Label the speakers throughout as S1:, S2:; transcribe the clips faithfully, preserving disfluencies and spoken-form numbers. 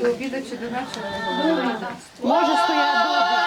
S1: До обіду чи до вечора?
S2: Може стояти добре.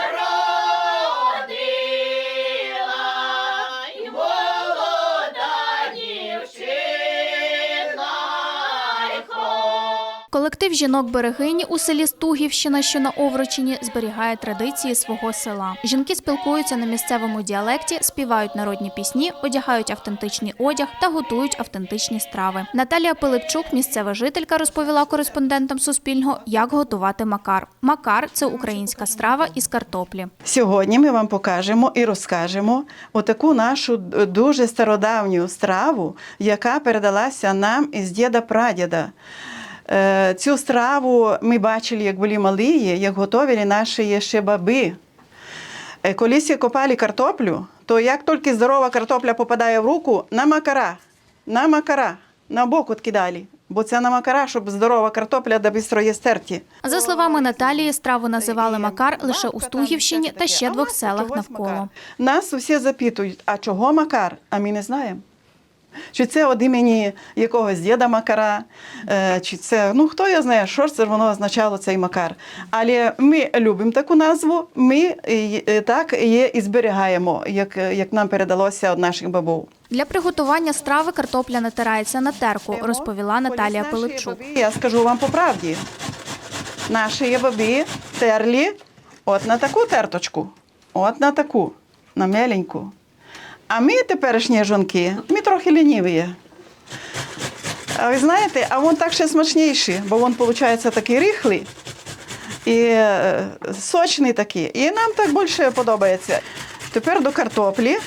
S3: Колектив жінок-берегині у селі Стугівщина, що на Овручині, зберігає традиції свого села. Жінки спілкуються на місцевому діалекті, співають народні пісні, одягають автентичний одяг та готують автентичні страви. Наталія Пилипчук, місцева жителька, розповіла кореспондентам Суспільного, як готувати макар. Макар – це українська страва із картоплі.
S2: Сьогодні ми вам покажемо і розкажемо отаку нашу дуже стародавню страву, яка передалася нам із діда-прадіда. Цю страву ми бачили, як були малі, як готували наші ще баби. Колись копали картоплю, то як тільки здорова картопля попадає в руку, на макара, на макара, на бок відкидали. Бо це на макара, щоб здорова картопля да бистро є стерті.
S3: За словами Наталії, страву називали макар лише у Стугівщині та ще двох селах навколо.
S2: Нас усі запитують, а чого макар? А ми не знаємо. Чи це від імені якогось діда Макара, чи це, ну хто я знає, що ж це воно означало цей Макар. Але ми любимо таку назву, ми так її і зберігаємо, як, як нам передалося від наших бабів.
S3: Для приготування страви картопля натирається на терку, розповіла Наталія Пилипчук.
S2: Я скажу вам по правді, наші баби терли от на таку терточку, от на таку, на меленьку. А ми теперішні жінки, ми трохи ліниві. А ви знаєте, а він так ще смачніший, бо він, виходить, такий рихлий і сочний такий. І нам так більше подобається. Тепер до картоплі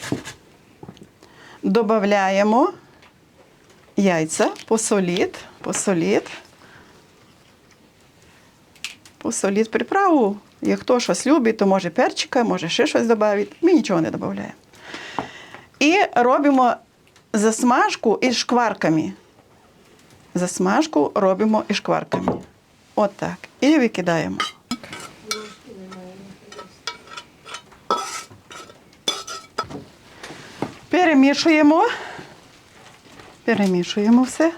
S2: додаємо яйця, посоліть, посоліть, посоліть приправу. Як хто щось любить, то може перчика, може ще щось додати. Ми нічого не додаємо. І робимо засмажку із шкварками. Засмажку робимо із шкварками. От так. І викидаємо. Перемішуємо. Перемішуємо все.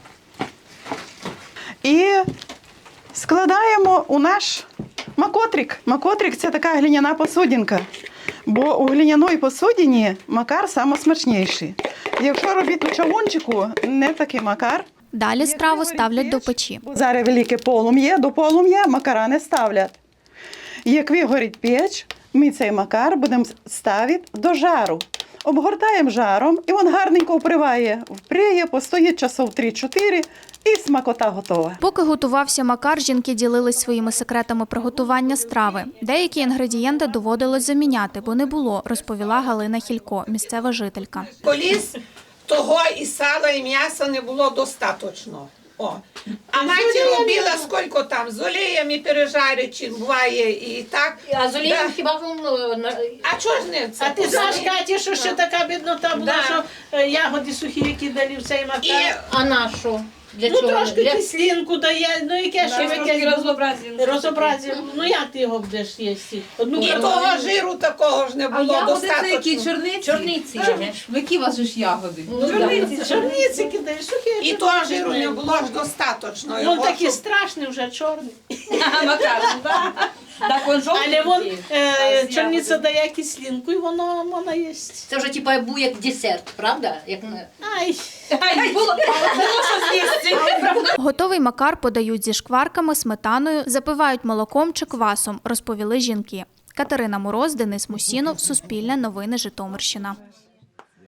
S2: І складаємо у наш макотрик. Макотрик – це така глиняна посудинка. Бо у глиняної посудині макар найсмачніший. Якщо робити у чавунчику, не такий макар.
S3: Далі страву ставлять до печі.
S2: Зараз велике полум'я, до полум'я макара не ставлять. Як вигорить печ, ми цей макар будемо ставити до жару. Обгортаємо жаром, і він гарненько вприває. Вприє, постоїть часов три-чотири, і смакота готова.
S3: Поки готувався макар, жінки ділились своїми секретами приготування страви. Деякі інгредієнти доводилось заміняти, бо не було, розповіла Галина Хілько, місцева жителька.
S4: Колись того і сала, і м'яса не було достатньо. О. А мати робила, скільки там, з оліями пережарить, чи буває і так.
S5: А з олієм
S4: Да.
S5: хіба воно...
S4: А чого ж не це?
S6: А ти знаєш, Каті, що ще така біднота була,
S4: Да.
S6: що е, ягоди сухі кидали в цей макар.
S4: І
S5: А на що? Для
S6: Ну,
S5: чого?
S6: трошки
S5: Для...
S6: кислинку дає, ну яке ще яке розобразі. Ну як ти його будеш їсти? Одну
S4: І
S6: картоплю.
S4: того жиру такого ж не
S1: А
S4: було
S1: ягоди це які?
S4: достатньо.
S1: Чорниці?
S5: Чорниці.
S1: Ну, які у вас же ж ягоди?
S5: Ну,
S6: Чорниці, чорниці кидаєш, сухі.
S4: І
S6: чорниці
S4: того жиру не
S6: кидаєш.
S4: було ж достатньо.
S6: Він такий страшний вже, чорний.
S5: Макар, так він жовтий.
S6: Але він, е, чорниця дає кислинку і воно, воно їсть.
S5: Це вже типа був як десерт, правда? Як... на-
S6: Ай.
S5: Ай, було, було що з'їсти.
S3: Готовий макар подають зі шкварками, сметаною, запивають молоком чи квасом, розповіли жінки. Катерина Мороз, Денис Мусінов, Суспільне новини, Житомирщина.